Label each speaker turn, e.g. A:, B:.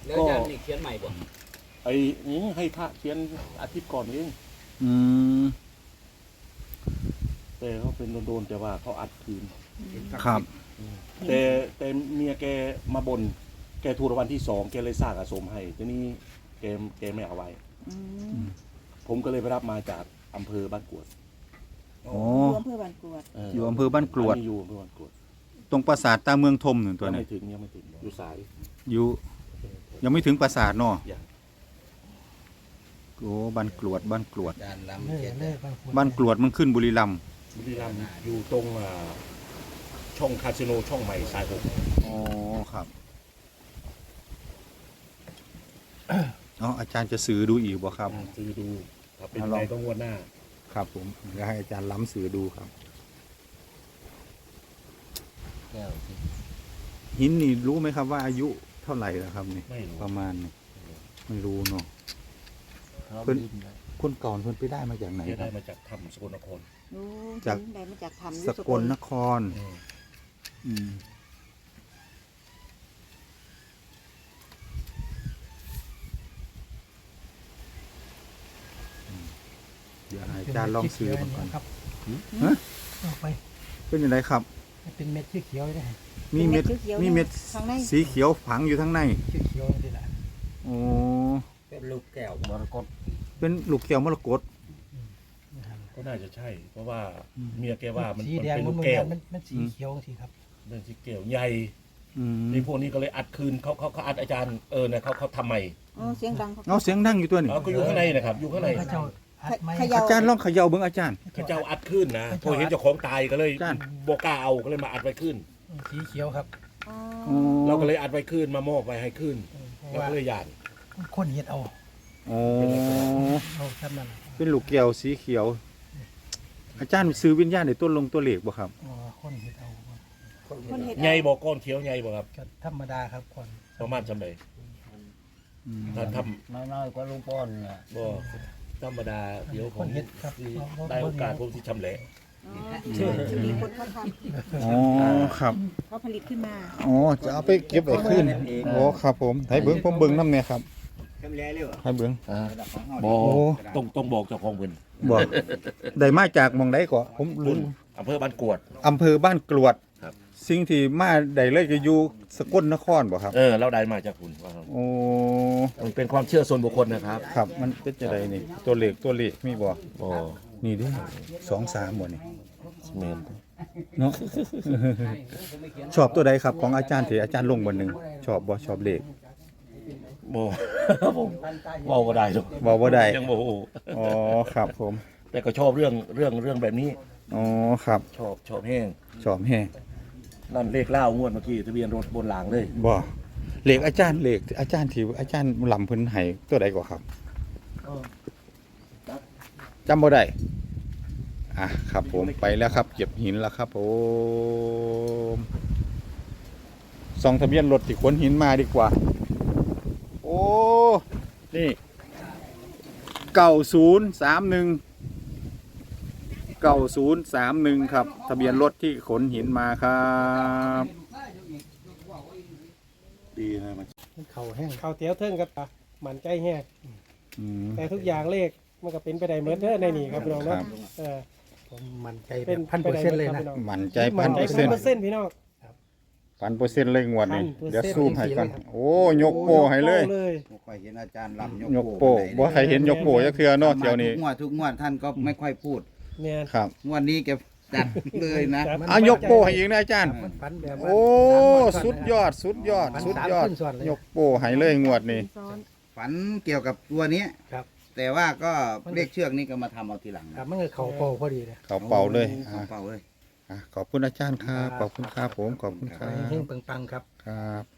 A: แล้วอาจารย์นี่เขียนใหม่บ่
B: ไอ้นี่ให้พระเขียนอาทิตย์ก่อนเอง
C: อืม
B: แต่เขาเป็นโดนๆแต่ว่าเขาอัดคืน
C: ครับ
B: แต่เมียแกมาบนแกถูกรางวัลที่2แกเลยสร้างอาสมให้ทีนี้แกไม่เอาไว้ ผมก็เลยไปรับมาจากอำเภอบ้านกรวด
C: โอ้
D: อยู่อำเภอบ้านกรวด
C: อยู่อำเภอบ้านกรวด
B: อันนี้อยู่อำเภอบ้านกรวด
C: ตรงปราสาทตาเมืองทมหนึ่งตัว
B: ยัง
C: นี้
B: ไม่ถึงอยู่สาย
C: อยู่ยังไม่ถึงปราสาทเนาะ
B: อย่าง
C: โอ้บ้านกรวดบ้านกรวด
A: อาจารย์ลำเขียนเลย
C: บ้านกรวดมันขึ้นบุรีรัมย์
B: บุรีรัมย์อยู่ตรงช่องคาสิโนช่องใหม่สาย6
C: อ๋อครับอ๋ออาจารย์จะสื่อดูอีกบ่ครับ
B: ซื้อดูถ้าเป็น
C: ลอง
B: ไงต้องงวดหน้า
C: ครับผมเดี๋ยวให้อาจารย์ล้ำสื่อดูครับ
A: แก้วสิ
C: หินนี่รู้ไหมครับว่าอายุเท่าไหร่แล้วครับนี่
B: ไม่รู้
C: ประมาณนี่ไม่รู้เนาะ
A: พร้อม
C: เพิ่น
A: ดินเลย
C: คนก่อนเพิ่นไปได้มาจากไหน
B: แก
C: ค
B: ได้
C: รับ
B: มาจากถ้ำสกลนคร
D: รู้
C: จาก
D: ได้มาจากทำ
C: สกลนคร อืมเดี๋ยวให้อาจารย์ลองซื้อมันก่อน
E: ครับ
C: ฮะ
E: เอาไป
C: เป็นยังไงครับ
E: เป็นเม็ดเขียวๆได้
C: มีเม็ด
D: ขียวๆ
C: มีเม็ด
D: ข้างใน
C: สีเขียวฝังอยู่ทั้งใน
E: เขียวๆนี่แหละ
C: โอ้
A: เป็นลูกแก้วมรกต
C: เป็นลูกเขียวมรกต
B: ก็น่าจะใช่ เพราะว่าเมียแกว่ามัน
E: สี
B: มัน
E: แดง
B: เป็น
E: มั
B: ลู
E: น
B: กแก้ว
E: มันสีเขียวสิครับ
B: เป็นสีแก้วใหญ่
C: อืม
B: นี่พวกนี้ก็เลยอัดคืนเขาอัดอาจารย์เนี่ยเขาทำใหม่
D: อ๋อเสียงดัง
C: เอาเสียงดังอยู่ตัวนี้
B: ก็อยู่ข้างในนะครับอยู่ข้างใน
E: พระเจ้าอัดไม้
D: เขย่า
C: อาจารย์ลองเขย่าเบิ่งอาจารย์
B: เขาเจ้าอัดขึ้นนะพอเห็นเจ้าของตายก็เลย
C: อาจารย์
B: โบกล้าเอาก็เลยมาอัดไว้ขึ้น
E: สีเขียวครับ
D: อ๋อ
C: อ๋อ
B: เราก็เลยอัดไว้ขึ้นมามอบไว้ให้ขึ้น
E: เพราะ
B: แล้ว
E: ว่า
B: ก็เลยหยาด
E: คนเห็ดเอา
C: อ๋อ
E: เอาทำนั่น
C: เป็นลูกแก้วสีเขียว อาจารย์ซื้อวิญญาณในต้นลงตัวเหล็กบ่ครับ
E: อ๋อคนเห็ดเอา
D: คนเห็ด
B: ใหญ่บอกก้อนเขียวใหญ่บอกครับ
E: ก็ธรรมดาครับคน
B: ประมาณจำเลยถ้าท
A: น้อยๆกว่าลุงป้อนน่ะ
B: ำบ่ธรรมดาเดี๋ยวผ
E: คน
B: ม
E: เห็ดครับ
B: ได้โอกาสผมที่ชำแหละ
D: อ๋อมีคนเขาท
C: อ๋อครับ
D: ำเขาผลิตขึ้นมา
C: อ๋อจะเอาไปเก็บไว้ขึ้นโอ้ครับผมให้เบิ้งผมเบิ้งน้ำเนี่ยครับให้เบิ้ง
B: บอ
C: โอ้
B: ต้องบอกเจ้าของเพิ่น
C: บอกได้มาจากหมองใดก็ผม
B: คุ
C: รู้
B: ณอำเภอบ้านกวด
C: อำเภอบ้านกรวด
B: ครับ
C: สิ่งที่มาได้เลยก็อยู่สกลนครบ่ครับ
B: เราได้มาจากคุณว่าครับ
C: โอ้
B: มันเป็นความเชื่อส่วนบุคคลนะครับ
C: ครับมันเป็นจะไดนี่ตัวเลขมีบ่
B: บ่
C: นี่เดิ2-3บ่นี่
B: แม่น
C: เนาะ ชอบตัวใดครับของอาจารย์ที่อาจารย์ลงวันหนึ่งชอบบ่ชอบเลข
B: บ่ผมเว้าบ่ได้หรอก
C: บ่บ่ได้
B: ยังบ่ฮู้
C: อ๋อครับผม
B: แต่ก็ชอบเรื่องแบบนี้
C: อ๋อครับ
B: ชอบแห้ง
C: ชอบแฮง
B: นั่นเลขเล่างวดเมื่อกี้ทะเบียนรถบนหลังเลย
C: บ่เลขอาจารย์ที่อาจารย์ลำเพิ่นให้ตัวใดก็ครับจำบ่ได้อ่ะครับผมไปแล้วครับเก็บหินแล้วครับผมส่องทะเบียนรถที่ขนหินมาดีกว่า โอ้นี่9031ครับทะเบียนรถที่ขนหินมาครับดีนะมัน
E: เขาแห้งเขาเตี้ยวเทิงกับมันใจแห้ง
C: อืม
E: แต่ทุกอย่างเลขมันก็เป็นไปได้เหมือนเดิมในนี่ครับพี่น้อง
C: ครั
E: เนาะ
C: บ
E: ผมมั่นใจเป็น1,000%เลยนะ
C: มั่นใจ
E: มั่นใจ
C: 1,000%
E: พี่น้อง
C: 1,000%เลยงวดนี้
E: 1,000%
C: เดี๋ยวซูมให้กัน
E: จริงๆเลยครับ
C: โอ้ยกโป้ให้เลย
A: บ่ค่อยเห็นอาจารย์ลำ
C: ยกโป้บ่ใครเห็นยกโป้จักเทื่อเนาะเที่ยวนี้
A: ทุกงวดท่านก็ไม่ค่อยพูด
E: เนี่ย
C: ครับ
A: งวดนี้แกจัดเลยนะ
E: มัน
C: ยกโป้ให้อีกนะอาจารย์
E: มันฝันแบบว่า
C: โอ้สุดยอดสุดยอด
E: มัน
C: สุด
E: สาม
C: ยอด
E: ขึ้นส่วนเลย
C: ยกโป้ให้เลยงวดนี้
D: ซ้อน
A: ฝันเกี่ยวกับตัวเนี้ย
E: ครับ
A: แต่ว่าก็เลขเชือกนี้ก็มาทำเอาทีหลัง
E: ครั
A: นะ
E: บมันก็เข่าโปพอดีเลย
C: เขาเป่าเลย
A: เขาเป่าเลย
C: ขอบคุณอาจารย์ครับขอบคุณครับผมขอบคุณค
E: ข
C: รั
E: อให้เฮง
C: บ
E: ๆปังๆครับ
C: ครับ